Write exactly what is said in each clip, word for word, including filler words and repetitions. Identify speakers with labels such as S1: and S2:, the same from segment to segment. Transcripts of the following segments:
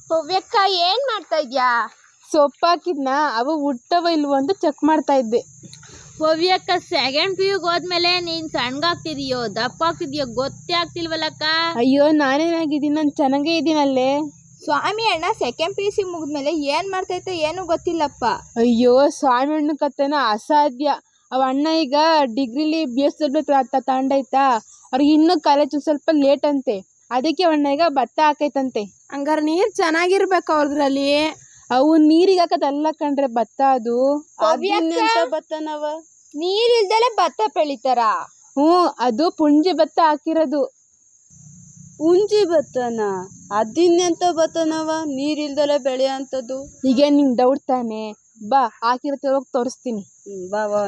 S1: ಪವ್ಯಕ್ಕ ಏನ್ ಮಾಡ್ತಾ ಇದ್ಯಾ?
S2: ಸೊಪ್ಪು ಹಾಕಿದ್ನ ಅವು ಹುಟ್ಟವ ಇಲ್ವೋ ಅಂತ ಚೆಕ್ ಮಾಡ್ತಾ ಇದ್ದೆ.
S1: ಪವ್ಯಕ್ಕ ಸೆಕೆಂಡ್ ಪಿ ಯುಗ್ ಹೋದ್ಮೇಲೆ ನೀನ್ ಸಣ್ಣಗಾಗ್ತಿದೀಯೋ ದಪ್ಪ ಆಗ್ತಿದ್ಯೋ ಗೊತ್ತೇ ಆಗ್ತಿಲ್ವಲ್ಲಕ್ಕ.
S2: ಅಯ್ಯೋ ನಾನೇನಾಗಿದ್ದೀನಿ, ನಾನು ಚೆನ್ನಾಗೇ ಇದ್ದೀನಲ್ಲೇ.
S1: ಸ್ವಾಮಿ ಅಣ್ಣ ಸೆಕೆಂಡ್ ಪಿ ಯು ಸಿ ಮುಗಿದ್ಮೇಲೆ ಏನ್ ಮಾಡ್ತೈತೆ ಏನು ಗೊತ್ತಿಲ್ಲಪ್ಪ.
S2: ಅಯ್ಯೋ ಸ್ವಾಮಿ ಅಣ್ಣ ಕತೆನ ಅಸಾಧ್ಯ. ಅವ ಅಣ್ಣ ಈಗ ಡಿಗ್ರಿಲಿ ಬಿ ಎಸ್ ಡಬ್ಲ್ಯೂ ತಗೊಂಡೈತಾ, ಅವ್ರಿಗೆ ಇನ್ನೂ ಕಾಲೇಜ್ ಸ್ವಲ್ಪ ಲೇಟ್ ಅಂತೆ, ಅದಕ್ಕೆ ಅಣ್ಣ ಈಗ ಭತ್ತ ಹಾಕೈತಂತೆ.
S1: ಹಂಗಾರೆ ನೀರ್ ಚೆನ್ನಾಗಿರ್ಬೇಕು ಅವ್ರಲ್ಲಿ.
S2: ಅವು ನೀರಿಗೆ ಹಾಕದಲ್ಲ ಕಣ್ರೆ ಭತ್ತ, ಅದು
S1: ಭತ್ತನವ ನೀರ್ ಇಲ್ದಲೆ ಭತ್ತ ಬೆಳಿತಾರ.
S2: ಹ್ಞೂ ಅದು ಪುಂಜಿ ಭತ್ತ ಹಾಕಿರೋದು.
S3: ಪುಂಜಿ ಭತ್ತನ ಅದಿನ್ನೆಂತ ಭತ್ತನವ ನೀರಿಲ್ದಲೆ ಬೆಳೆಯ ಅಂತದ್ದು.
S2: ಈಗ ನಿಂಗೆ ಡೌಟ್ ತಾನೆ, ಬಾ ಹಾಕಿರತ್ತೆ ಹೋಗಿ ತೋರಿಸ್ತೀನಿ.
S3: ಹ್ಮ್ ಬಾ ಬಾ.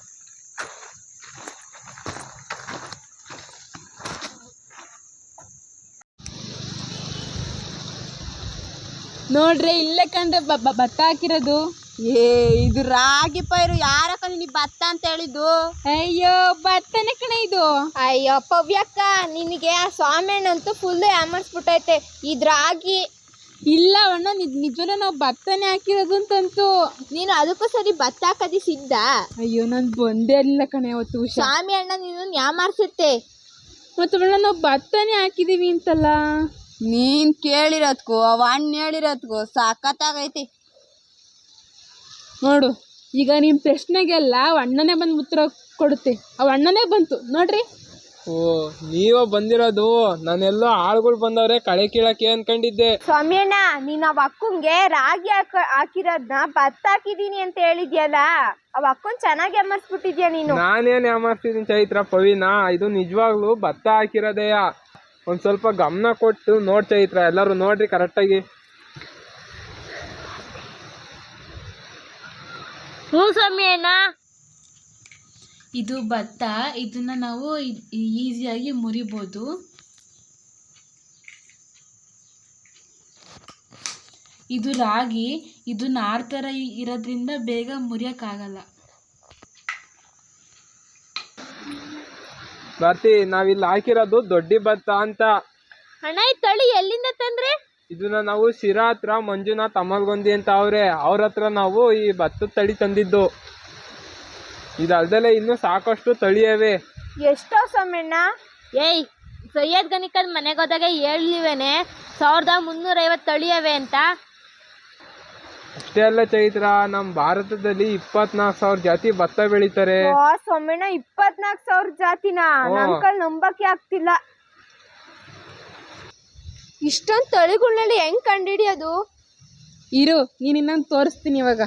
S2: ನೋಡ್ರಿ ಇಲ್ಲೇ ಕಂಡ್ರೆ ಭತ್ತ ಹಾಕಿರೋದು.
S3: ಏ ಇದು ರಾಗಿ ಪೈರು, ಯಾರಕ್ಕ ನೀ ಭತ್ತ ಅಂತ ಹೇಳಿದ್ದು?
S2: ಅಯ್ಯೋ ಭತ್ತನೇ ಕಣ ಇದು.
S1: ಅಯ್ಯೋ ಪವ್ಯಕ್ಕ ನಿನಗೆ ಆ ಸ್ವಾಮಿಯಣ್ಣಂತೂ ಫುಲ್ ಯಾಮರ್ಸ್ಬಿಟ್ಟೈತೆ. ಇದ್ರಾಗಿ
S2: ಇಲ್ಲ ಅಣ್ಣ, ನಿಜವಲ್ಲ ನಾವು ಭತ್ತನೇ ಹಾಕಿರೋದು ಅಂತಂತು.
S1: ನೀನು ಅದಕ್ಕೂ ಸರಿ ಭತ್ತ ಹಾಕದಿ ಸಿದ್ಧ?
S2: ಅಯ್ಯೋ ನಾನು ಬಂದೇ ಇಲ್ಲ ಕಣೆ ಅವತ್ತು.
S1: ಸ್ವಾಮಿ ಅಣ್ಣ ನೀನು ಯಾಮಾರ್ಸುತ್ತೆ.
S2: ಮತ್ತು ಅಣ್ಣ ನಾವು ಭತ್ತನೇ ಹಾಕಿದೀವಿ ಅಂತಲ್ಲ.
S3: ನೀನ್ ಕೇಳಿರೋದ್ಕು ಅವ ಅಣ್ಣ ಹೇಳಿರೋದ್ಕು ಸಖತ್ತಾಗೈತಿ
S2: ನೋಡು. ಈಗ ನಿಮ್ಮ ಪ್ರಶ್ನೆಗೆಲ್ಲ ಅವ ಅಣ್ಣನೇ ಬಂದು ಉತ್ತರ ಕೊಡುತ್ತೆ. ಅವ ಅಣ್ಣನೇ ಬಂತು ನೋಡ್ರಿ.
S4: ಓ ನೀವ ಬಂದಿರೋದು, ನಾನೆಲ್ಲೋ ಆಳುಗಳು ಬಂದವ್ರೆ ಕಳೆ ಕೀಳಕ್ಕೆ ಅನ್ಕೊಂಡಿದ್ದೆ.
S1: ಸ್ವಾಮಿ ಅಣ್ಣ ನೀನ್ ಅವ್ ಅಕ್ಕಂಗೆ ರಾಗಿ ಹಾಕ ಹಾಕಿರೋದ್ನ ಭತ್ತ ಹಾಕಿದೀನಿ ಅಂತ ಹೇಳಿದ್ಯಲ್ಲ, ಅವ್ ಅಕ್ಕನ್ ಚೆನ್ನಾಗಿ ಅಮರ್ಸ್ಬಿಟ್ಟಿದ್ಯಾ ನೀನು.
S4: ನಾನೇನ್ ಯಾಮಾರ್ತಿದ್ದೀನಿ ಚೈತ್ರ ಪವಿನ, ಇದು ನಿಜವಾಗ್ಲೂ ಭತ್ತ ಹಾಕಿರೋದೆಯಾ. ಒಂದ್ ಸ್ವಲ್ಪ ಗಮನ ಕೊಟ್ಟು ನೋಡ್ ಚೈತ್ರ, ಎಲ್ಲರೂ ನೋಡ್ರಿ ಕರೆಕ್ಟಾಗಿ.
S1: ಹ್ಞೂ ಸ್ವಾಮಿ ಅಣ್ಣ.
S5: ಇದು ಭತ್ತ, ಇದನ್ನ ನಾವು ಈಸಿಯಾಗಿ ಮುರಿಬೋದು. ಇದು ರಾಗಿ, ಇದು ನಾರ್ ಥರ ಇರೋದ್ರಿಂದ ಬೇಗ ಮುರಿಯೋಕ್ಕಾಗಲ್ಲ.
S4: ಬರ್ತಿ ನಾವಿಲ್ಲಿ ಹಾಕಿರೋದು ದೊಡ್ಡಿ ಭತ್ತ ಅಂತ.
S1: ಅಣ್ಣ ಈ ತಳಿ ಎಲ್ಲಿಂದ ತಂದ್ರೆ?
S4: ಇದನ್ನ ನಾವು ಶಿರಾ ಹತ್ರ ಮಂಜುನಾಥ್ ಅಮಲ್ಗೊಂದಿ ಅಂತ ಅವ್ರೆ, ಅವ್ರ ಹತ್ರ ನಾವು ಈ ಭತ್ತದ ತಳಿ ತಂದಿದ್ದು. ಇದಲ್ದಲೆ ಇನ್ನು ಸಾಕಷ್ಟು ತಳಿಯವೆ.
S1: ಎಷ್ಟೋ ಸ್ವಾಮಣ್ಣ? ಏಯ್ ಸೈಯದ್ ಗನಿಕದ್ ಮನೆಗೆ ಹೋದಾಗ ಹೇಳಿವೇನೆ ಸಾವಿರದ ಮುನ್ನೂರ ಐವತ್ತು ತಳಿಯವೆ ಅಂತ.
S4: ಅಷ್ಟೇ ಅಲ್ಲ ಚೈತ್ರ, ನಮ್ ಭಾರತದಲ್ಲಿ ಇಪ್ಪತ್ನಾಲ್ಕು ಸಾವಿರ ಜಾತಿ ಭತ್ತ ಬೆಳಿತಾರೆ.
S1: ಸ್ವಾಮಣ್ಣ ಇಪ್ಪತ್ನಾಲ್ಕು ಸಾವಿರ ಜಾತಿನ? ನನ್ ಕೈಲಿ ನಂಬಕ್ಕೆ ಆಗ್ತಿಲ್ಲ. ಇಷ್ಟೊಂದು ತಳಿಗಳಲ್ಲಿ ಹೆಂಗ್ ಕಂಡಿಡಿಯೋದು?
S2: ಇರು ನೀನು ಇನ್ನೊಂದು ತೋರಿಸ್ತೀನಿ ಇವಾಗ.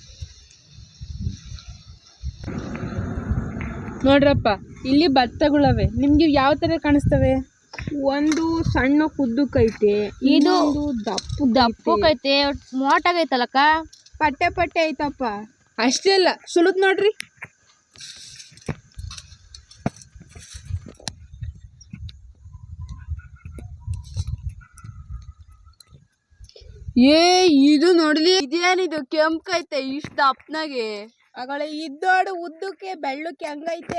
S2: ನೋಡ್ರಪ್ಪ ಇಲ್ಲಿ ಭತ್ತಗಳವೆ, ನಿಮ್ಗೆ ಯಾವ ತರ ಕಾಣಿಸ್ತವೆ? ಒಂದು ಸಣ್ಣ ಕುದ್ದಕ್ಕೈತೆ,
S1: ಇದು
S2: ದಪ್ಪು
S1: ದಪ್ಪಕೈತೆ, ಮೋಟಾಗೈತಲ್ಲಕ್ಕ.
S2: ಪಟ್ಟೆ ಪಟ್ಟೆ ಐತಪ್ಪ. ಅಷ್ಟೇ ಅಲ್ಲ ಸುಲಿದ್ ನೋಡ್ರಿ.
S3: ಏ ಇದು ನೋಡ್ಲಿ, ಇದೇನಿದು ಕೆಂಪೈತೆ ಇಷ್ಟ ದಪ್ಪನಾಗೆ.
S2: ಆಗಳೇ ಇದ್ದೋಡು ಉದ್ದಕ್ಕೆ ಬೆಳ್ಳಕ್ಕೆ ಹಂಗೈತೆ.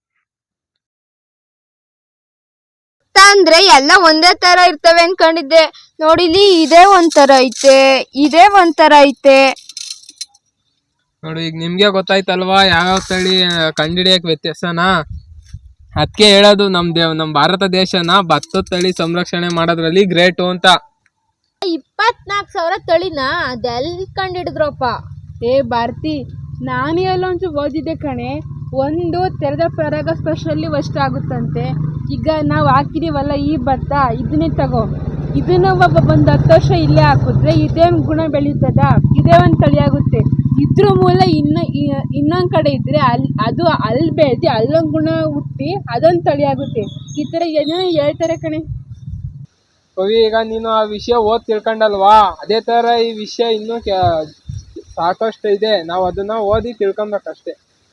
S1: ಅಂದ್ರೆ ಎಲ್ಲ ಒಂದೇ ತರ ಇರ್ತವೆ ಅನ್ಕೊಂಡಿದ್ದೆ. ನೋಡಿಲಿ ಇದೇ ಒಂಥರ ಐತೆ, ಇದೇ ಒಂಥರ ಐತೆ.
S4: ನೋಡಿ ಈಗ ನಿಮ್ಗೆ ಗೊತ್ತಾಯ್ತಲ್ವಾ ಯಾವ್ಯಾವ ತಳಿ ಕಂಡಿಡಿಯಕ್ ವ್ಯತ್ಯಾಸನ. ಅದಕ್ಕೆ ಹೇಳೋದು ನಮ್ ದೇವ್ ನಮ್ ಭಾರತ ದೇಶನ ಭತ್ತದ ತಳಿ ಸಂರಕ್ಷಣೆ ಮಾಡೋದ್ರಲ್ಲಿ ಗ್ರೇಟು ಅಂತ.
S1: ಇಪ್ಪತ್ನಾಲ್ಕು ಸಾವಿರ ತಳಿನ ಅದೆಲ್ಲಿ ಕಂಡಿಡಿದ್ರಪ್ಪ?
S2: ಏ ಭಾರತಿ, ನಾನೇ ಅಲ್ಲೊಂಚು ಓದಿದ್ದೆ ಕಣೆ. ಒಂದು ತೆರೆದ ಪರಾಗ ಸ್ಪರ್ಶಲ್ಲಿ ಅಷ್ಟು ಆಗುತ್ತಂತೆ. ಈಗ ನಾವು ಹಾಕಿದೀವಲ್ಲ ಈ ಭತ್ತ, ಇದನ್ನೇ ತಗೋ, ಇದನ್ನ ಒಬ್ಬ ಒಂದು ಹತ್ತು ವರ್ಷ ಇಲ್ಲೇ ಹಾಕಿದ್ರೆ ಇದೇ ಗುಣ ಬೆಳೀತದ, ಇದೇ ಒಂದು ತಳಿ ಆಗುತ್ತೆ. ಇದ್ರ ಮೂಲ ಇನ್ನು ಇನ್ನೊಂದು ಕಡೆ ಇದ್ರೆ ಅಲ್ಲಿ ಅದು ಅಲ್ಲಿ ಬೆಳೆದು ಅಲ್ಲೊಂದು ಗುಣ ಹುಟ್ಟಿ ಅದೊಂದು ತಳಿ ಆಗುತ್ತೆ. ಈ ಥರ ಏನೇನೋ ಹೇಳ್ತಾರೆ ಕಣೆ.
S4: ಕವಿ ಈಗ ನೀನು ಆ ವಿಷಯ ಓದ್ ತಿಳ್ಕೊಂಡಲ್ವಾ, ಅದೇ ತರ ಈ ವಿಷಯ ಇನ್ನೂ ಸಾಕಷ್ಟು ಇದೆ, ನಾವು ಅದನ್ನ ಓದಿ ತಿಳ್ಕೊಬೇಕಷ್ಟೇ.